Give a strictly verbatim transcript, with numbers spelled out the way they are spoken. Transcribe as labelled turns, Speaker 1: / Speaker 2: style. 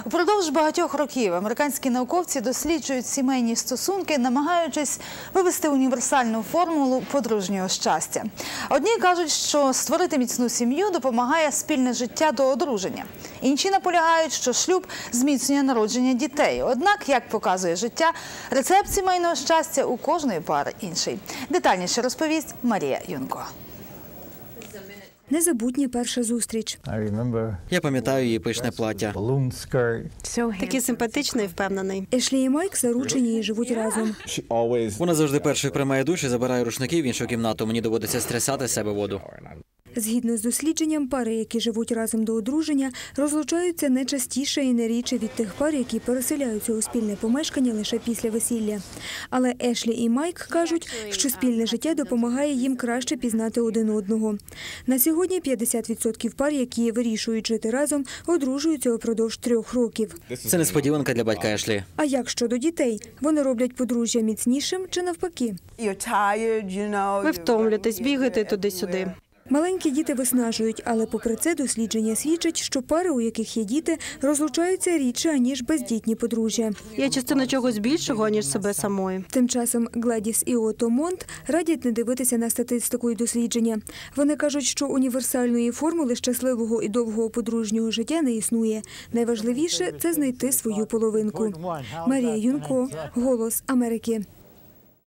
Speaker 1: Упродовж багатьох років американські науковці досліджують сімейні стосунки, намагаючись вивести універсальну формулу подружнього щастя. Одні кажуть, що створити міцну сім'ю допомагає спільне життя до одруження. Інші наполягають, що шлюб зміцнює народження дітей. Однак, як показує життя, рецепт сімейного щастя у кожної пари інший. Детальніше розповість Марія Юнко.
Speaker 2: Незабутня перша зустріч.
Speaker 3: Я пам'ятаю її пишне плаття.
Speaker 4: Такий симпатичний і впевнений.
Speaker 2: Ешлі і Майк заручені і живуть разом.
Speaker 3: Вона завжди першою приймає душ і забирає рушники в іншу кімнату. Мені доводиться стрясати з себе воду.
Speaker 2: Згідно з дослідженням, пари, які живуть разом до одруження, розлучаються не частіше і не рідше від тих пар, які переселяються у спільне помешкання лише після весілля. Але Ешлі і Майк кажуть, що спільне життя допомагає їм краще пізнати один одного. На сьогодні п'ятдесят відсотків пар, які вирішують жити разом, одружуються упродовж трьох років.
Speaker 3: Це несподіванка для батька Ешлі.
Speaker 2: А як щодо дітей? Вони роблять подружжя міцнішим чи навпаки?
Speaker 4: Ви втомлюєтесь, бігаєте туди-сюди.
Speaker 2: Маленькі діти виснажують, але попри це дослідження свідчать, що пари, у яких є діти, розлучаються рідше, аніж бездітні подружжя.
Speaker 4: Я частина чогось більшого, ніж себе самої.
Speaker 2: Тим часом Гладіс і Ото Монт радять не дивитися на статистику і дослідження. Вони кажуть, що універсальної формули щасливого і довгого подружнього життя не існує. Найважливіше – це знайти свою половинку. Марія Юнко, «Голос Америки».